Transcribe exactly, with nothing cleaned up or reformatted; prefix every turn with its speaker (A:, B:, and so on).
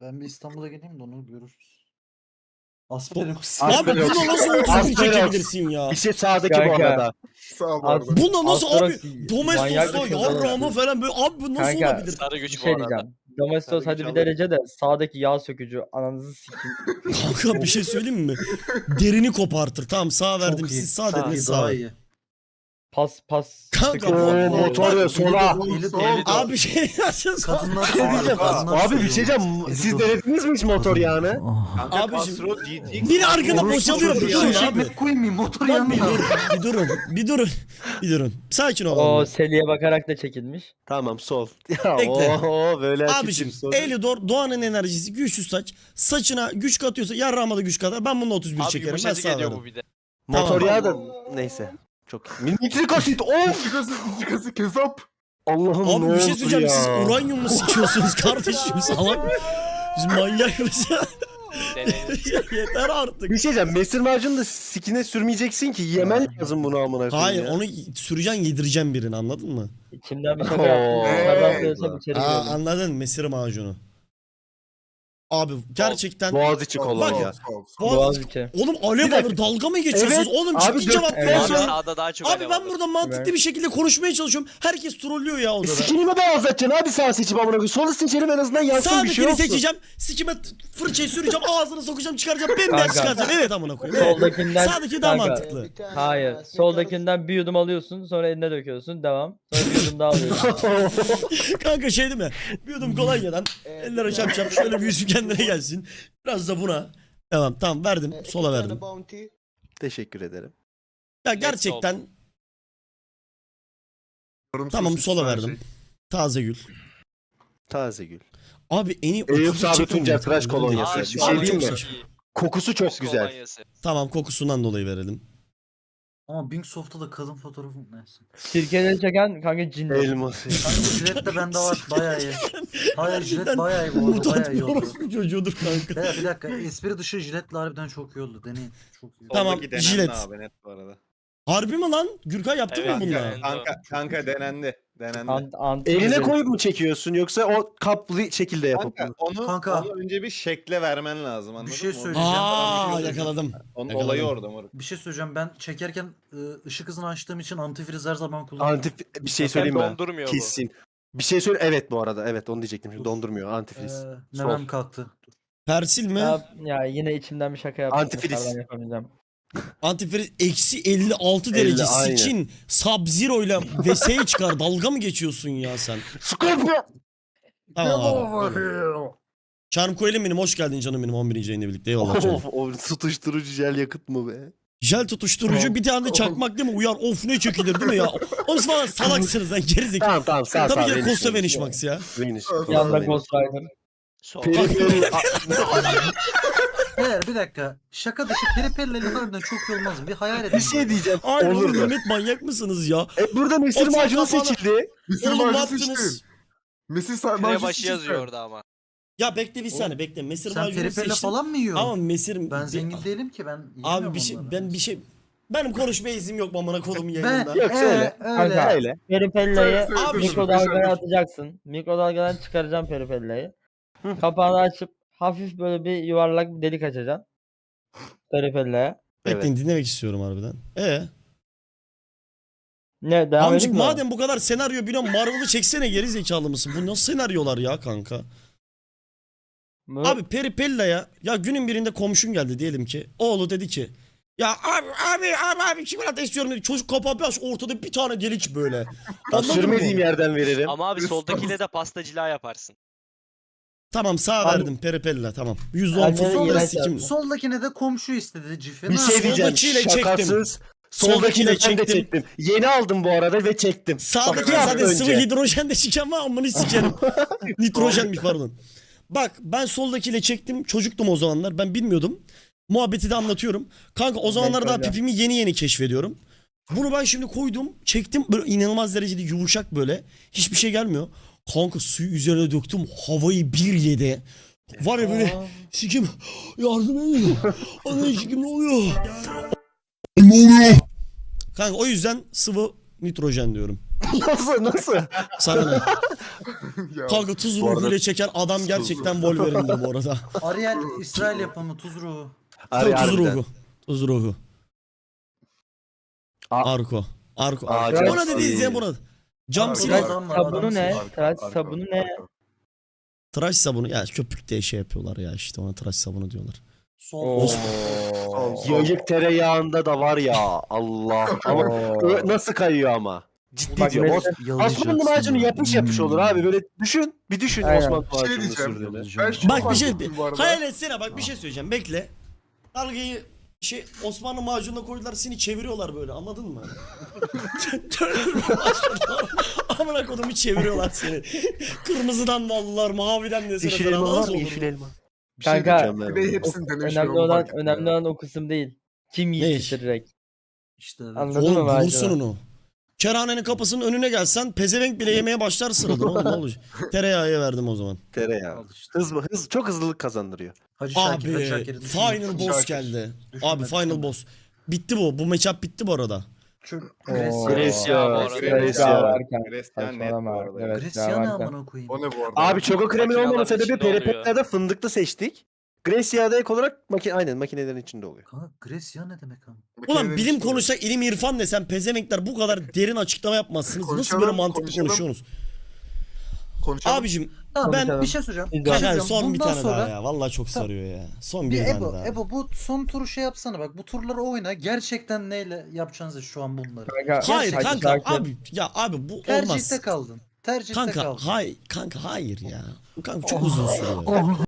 A: Ben bir İstanbul'a geleyim de onu görürüz. Asperox.
B: Abi
C: Asperox.
B: buna nasıl otuz bir
C: Asperox.
B: çekebilirsin ya?
C: Bir şey sağdaki bu
D: Kanka.
C: arada.
E: Sağ ol bu
D: Az-
E: arada.
B: Buna nasıl abi?
D: Asperox manyak
B: Domestos'ta
D: bir şey
B: yarrağıma
D: olabilir.
B: falan böyle abi bu nasıl
D: Kanka,
B: olabilir?
F: Sarı
D: Bir
F: güç bu
D: şey
F: arada.
D: diyeceğim. Domestos
C: Tabii
D: hadi bir
C: güç
D: derece de sağdaki yağ sökücü ananızı sikeyim.
B: Kanka bir şey söyleyeyim mi? Derini kopartır. Tamam sağ verdim.
A: Çok iyi.
B: Siz sağ
A: Sağ
B: dediniz
A: iyi,
B: sağ.
A: daha iyi.
D: Pas pas.
B: Kanka,
D: sıkıntı
B: bu-
D: yok.
C: Oo, motor ya sola.
A: Eli
E: Sol.
A: eli
B: Abi bir şey yazsın.
A: Kadınlar
C: Bir şey diyeceğim.
A: kadınlar
C: Abi bir şey diyeceğim. Siz denediniz mi hiç motor yağını?
B: Abi
G: Abi
B: şimdi- Biri arkada boşalıyor. Bir durun
A: Durun
B: abi.
A: koymayayım motor
B: Lan bir
A: yanında.
B: durun. Bir durun. Bir durun. Bir durun. Sakin
D: O
B: olun.
D: Seli'ye bakarak da çekilmiş.
C: Tamam sol. Ya
B: Bekle.
C: oho böyle
B: Abiciğim
C: açık sol.
B: Elidor doğanın enerjisi güçlü saç. Saçına güç katıyorsa yarrağıma da güç katar. Ben bununla otuz bir
F: Abi
B: çekerim. Ben
F: yumuşacık
B: sağ
F: ediyor
B: veririm.
F: bu bir de.
C: Motor
B: Tamam.
C: yağı da neyse. Çok iyi. Nitrik asit. Of.
E: Çıkası, çıkası kesap.
C: Allah'ım
B: Abi
C: ne
B: bir şey
C: oldu
B: söyleyeceğim.
C: ya?
B: Siz uranyum mu sikiyorsunuz kardeşim salak? Siz manyak mısınız?
F: Deneyin.
B: Yeter artık.
C: Bir şey diyeceğim. Mesir macunu da sikine sürmeyeceksin ki. Yemen lazım bunu amına koyayım
B: Hayır
C: ya.
B: onu süreceksin yedireceğim birini anladın mı?
D: İçimden bir şaka
C: Oo.
D: yaptım. Kazanıyorsam içeri
B: Aa,
D: girdim.
B: anladın mesir macunu. Abi gerçekten
C: Boğaziçi
E: Sol,
C: kolonya.
E: sol, sol, sol.
B: Boğaz-
D: Boğaziçi.
B: Oğlum alev
C: Bir dakika.
B: alır dalga mı geçiyorsunuz?
C: Evet,
B: Oğlum
C: abi
B: ciddi
C: dört-
B: cevap
D: Evet.
B: ver
F: Abi
B: ya.
F: sağda daha çok
B: Abi
F: alev
B: ben
F: alır.
B: burada mantıklı
D: Evet.
B: bir şekilde konuşmaya çalışıyorum. Herkes trollüyor ya odada.
C: Sikini mi daha azaltacaksın abi sağ seçip amına koyayım. Solu seçelim en azından yansın bir şey
B: Sağdakini
C: olsun.
B: seçeceğim. Sikime t- fırçayı süreceğim. Ağzını sokacağım çıkaracağım. Bembeyaz
D: Kanka.
B: çıkaracağım. Evet amına koyayım. Evet.
D: Soldakinden
B: Sağdaki daha
D: Kanka.
B: mantıklı.
D: Hayır. Soldakinden bir yudum alıyorsun, sonra eline döküyorsun. Devam. Sonra bir yudum daha alıyorsun.
B: Kanka şey değil mi? Bir yudum kolonyadan ellere çarpacağım. Şöyle bir yüzü kendine gelsin. Biraz da buna. Tamam tamam verdim. Sola verdim.
C: Teşekkür ederim.
B: Ya gerçekten
E: Yarım
B: tamam
E: sosis
B: sola
E: sadece.
B: verdim. Taze gül.
C: Taze gül.
B: Abi en iyi
C: Eyüp
B: otuz
C: Sabri
B: çekim
C: Tuncer
B: mi?
C: tıraş kolonyası.
F: Aa,
C: Bir
F: şu
C: şey
F: an
C: diyeyim
F: çok
C: mi?
F: saçma.
C: Kokusu çok
F: Kız
C: güzel.
F: kolonyası.
B: Tamam kokusundan dolayı verelim.
A: Ama Bingsoft'ta da kadın fotoğrafı neyse.
D: Sirkeleri çeken kanka cinli.
C: Elması.
A: Kanka jilet de bende var bayağı iyi. Hayır jilet
B: Gerçekten
A: bayağı iyi bu arada
B: Mutant
A: bayağı
B: bir
A: iyi oldu.
B: orospu çocuğudur kanka.
A: Ya bir dakika espri dışı jiletle harbiden çok iyi oldu deneyin. Çok iyi.
B: Tamam,
G: Soldaki denendi
B: jilet.
G: abi net bu arada.
B: Harbi mi lan? Gürkay yaptın
F: Evet,
B: mı bununla?
F: yani.
G: Kanka, kanka denendi. Denendi.
D: Ant, anti
C: Eline koyup mu çekiyorsun yoksa o kaplı şekilde yapıp
G: Kanka,
C: mı?
G: onu,
A: Kanka.
G: onu önce bir şekle vermen lazım anladın
A: Bir şey
G: mı? Onu-
A: söyleyeceğim.
B: Aa
A: Onu-
B: yakaladım.
G: Onun
B: yakaladım.
G: olayı orada moruk.
A: Bir şey söyleyeceğim ben çekerken ıı, ışık hızını açtığım için antifriz her zaman kullanıyorum.
C: Antif bir şey
F: Sen
C: söyleyeyim mi?
F: dondurmuyor bu.
C: Kesin. Bir şey söyle. Evet bu arada. Evet onu diyecektim. Şimdi dondurmuyor. Antifriz.
A: Ee,
C: Sol.
A: memem kalktı.
B: Persil mi?
D: Ya, ya yine içimden bir şaka yaptım.
C: Antifriz.
D: Dışarıdan yapamayacağım.
B: Antifriz eksi elli altı
C: elli,
B: derece.
C: aynen.
B: Sikin Sub-Zero ile V S'yi çıkar. Dalga mı geçiyorsun ya sen?
C: Scorpio.
B: Tamam abi. Charm Coel'im benim hoş geldin canım benim on birinci yayında birlikte. Eyvallah canım.
C: Of, o tutuşturucu jel yakıt mı be?
B: Jel tutuşturucu bir tane de çakmak değil mi? Uyar of ne çekilir değil mi ya? Oğlum siz falan salaksınız lan gerizekalı.
C: Tamam tamam sağ sağ.
B: Tabii ki de
C: Veniş,
B: Costa
C: Veniş.
B: Vanish Max ya.
C: Veniş.
D: Yanında
C: Veniş.
D: Ghost Rider.
F: Sol.
C: Peri peri.
A: Eğer bir dakika şaka dışı peripelleri harbiden çok iyi olmaz mı? Bir hayal edin.
C: Bir şey diyeceğim.
B: Ay oğlum
C: Olurdu.
B: Mehmet manyak mısınız ya?
C: E burada mesir
B: Otur
C: macunu
B: kafana.
C: seçildi.
E: Mesir
B: Oğlum ne
E: macunu
B: yaptınız?
E: seçtin. Mesir sa-
F: Kire
E: macunu
F: başı
E: seçtin.
F: yazıyor orada ama.
B: Ya bekle bir saniye bekle. Mesir
A: Sen
B: macunu
A: peripelle
B: seçtim.
A: falan mı yiyorsun?
B: Ama mesir...
A: Ben zengin değilim ki ben
B: Abi
A: yiyemiyorum
B: bir şey
A: onları.
B: ben bir şey benim konuşmaya izim yok amına kodumun
A: Ben
B: yayınında.
C: Yok, söyle.
A: ee, öyle.
D: Kanka.
C: Öyle.
D: Peripellayı
E: Söyle, söyle,
B: Abi,
E: dur,
D: mikrodalgaya
E: dur.
D: atacaksın. Mikrodalgadan çıkaracaksın peripellayı. Kapağını açıp hafif böyle bir yuvarlak bir delik açacaksın. Peripellaya.
B: Bekleyin dinlemek istiyorum harbiden. E
D: Ne devam
B: Amcık
D: edeyim mi?
B: madem bu kadar senaryo biliyorum Marvel'ı çeksene geri zekalı mısın? Bu nasıl senaryolar ya kanka?
D: Bu-
B: Abi Peripella'ya ya günün birinde komşun geldi diyelim ki. Oğlu dedi ki ya abi abi abi abi çikolata istiyorum dedi. Çocuk kapağı bir aç ortada bir tane delik böyle.
C: Ben
B: Anladın mı?
C: sürmediğim yerden veririm.
F: Ama abi soldakiyle de pastacılığa yaparsın.
B: Tamam sağ
D: Abi-
B: verdim Peripella tamam. yüzde on
D: Anne
B: futbolda
D: iğrenç
B: sikim.
D: yaptı.
A: Soldakine de komşu istedi cifi.
C: Bir
A: Ne
C: şey
A: yapayım?
C: diyeceğim.
B: Soldakiyle çektim.
C: Şakasız.
B: Soldakiyle
C: Soldakiyle ben de
B: çektim.
C: çektim. Yeni aldım bu arada ve çektim.
B: Sağdaki
C: Bak, bir hafta
B: zaten sıvı
C: önce.
B: hidrojen de siken var amını sikerim. Nitrojenmiş pardon. Bak ben soldakiyle çektim. Çocuktum o zamanlar. Ben bilmiyordum. Muhabbeti de anlatıyorum. Kanka o zamanlar daha
D: öyle.
B: pipimi yeni yeni keşfediyorum. Bunu ben şimdi koydum. Çektim böyle inanılmaz derecede yumuşak böyle. Hiçbir şey gelmiyor. Kanka suyu üzerine döktüm. Havayı bir yedi. Var ya böyle
D: Aa.
B: sikim yardım edin. Ana sikim ne oluyor? Ne oluyor? Kanka o yüzden sıvı nitrojen diyorum.
C: Nasıl nasıl?
B: Sana ne?
E: Ya,
B: Kanka tuz
C: Bu arada-
B: ruhuyla çeken adam gerçekten Wolverine'dir bu arada.
A: Ariel İsrail yapımı tuz ruhu.
C: Harbi-
B: tuz
C: harbiden.
B: ruhu. Tuz ruhu.
C: A-
B: Arko. Arko.
C: Aa,
B: Buna
C: çok
B: dediğiniz
C: iyi.
B: ya buna. Cam
A: Arko
B: silah.
A: adam var,
D: Sabunu
A: adam
D: ne?
A: silah.
D: Tıraş
E: arka,
D: sabunu ne?
E: arka.
B: Tıraş sabunu. Ya köpük diye şey yapıyorlar ya işte ona tıraş sabunu diyorlar.
A: Sol.
D: Oo.
E: Sol, sol.
C: Yayık tereyağında da var ya Allah. Ama ö- nasıl kayıyor ama. Ciddi
D: Bak
C: diyorum.
D: mesela-
C: Os- Osmanlı macunu yapış yapış olur abi. Böyle düşün. Bir düşün
D: Aynen.
C: Osmanlı
E: Bir şey
C: macunu
E: diyeceğim.
C: sürdüğünü.
E: Ben şu
B: Bak bir
E: fark
B: şey
E: ettim bu arada.
B: hayal etsene bak bir şey söyleyeceğim bekle. Dalgayı şey Osmanlı macununa koydular seni çeviriyorlar böyle anladın mı? Amına kodumu çeviriyorlar seni. Kırmızıdan da aldılar maviden de
C: Yeşil
B: sana
C: elma var
B: nasıl
C: mı?
B: olur?
C: Yeşil elma.
E: Bir şey
D: Kanka,
E: diyeceğim. Bir de hepsini denemişler.
D: Önemli
E: onu
D: olan
E: fark ettim
D: önemli
E: ya.
D: olan o kısım değil. Kim
B: Ne
D: yiğit
B: iş?
D: bitirecek?
A: İşte evet.
D: Anladın
B: Oğlum
D: mı
B: bulursun
D: macunu?
B: onu. Kerhanenin kapısının önüne gelsen pezevenk bile yemeye başlar sıradan oğlum ne olacak? Tereyağıya verdim o zaman.
C: Tereyağı.
A: Al işte.
C: Hız, hız çok hızlılık kazandırıyor.
A: Hacı Şakir, Hacı
B: Abi
A: Şakir'i
B: final
A: düşünme.
B: boss
E: Şakir.
B: geldi.
A: Düşünme,
B: Abi final
A: düşünme.
B: boss. Bitti bu. Bu matchup bitti bu arada.
A: Şu
D: Oo.
A: Grecia.
C: Grecia.
F: bu arada.
D: Grecia
C: Grecia.
D: varken.
G: Hristiyan net bu
D: Saçmalama.
G: arada.
D: Evet,
A: Grecia ne
D: varken.
A: amına koyayım?
E: O ne bu arada?
C: Abi çoko kremin
F: Makineler
C: olmama sebebi
F: içinde oluyor.
C: peripetlerde fındıklı seçtik. Grecia'da ek olarak maki aynen makinelerin içinde oluyor.
A: Kanka Grecia ne demek ama?
B: Ulan
E: Makinenin
B: bilim
E: içinde.
B: konuşsak ilim irfan desem pezevenkler bu kadar derin açıklama yapmazsınız. Nasıl
E: Konuşalım,
B: böyle mantıklı
E: konuşalım.
B: konuşuyorsunuz?
E: Konuşalım.
B: Abicim
A: Tamam ben
D: Konuşalım.
A: bir şey söyleyeceğim.
D: Biz
A: Bir şey
B: kanka
A: söyleyeceğim.
B: son bir
A: Bundan
B: tane
A: sonra
B: daha ya. Vallahi çok
A: Tamam.
B: sarıyor ya. Son
A: bir
B: bir tane
A: Ebo,
B: daha.
A: Ebo bu son turu şey yapsana bak. Bu turları oyna. Gerçekten neyle yapacağınızı şu an bunları.
D: Kanka,
B: Hayır
D: Hacı
B: kanka
D: Şakir-
B: abi ya abi bu olmaz.
A: Tercihte kaldın. Tercihte
B: Kanka
A: kaldın.
B: hay kanka hayır ya. Kanka çok uzun sürüyor.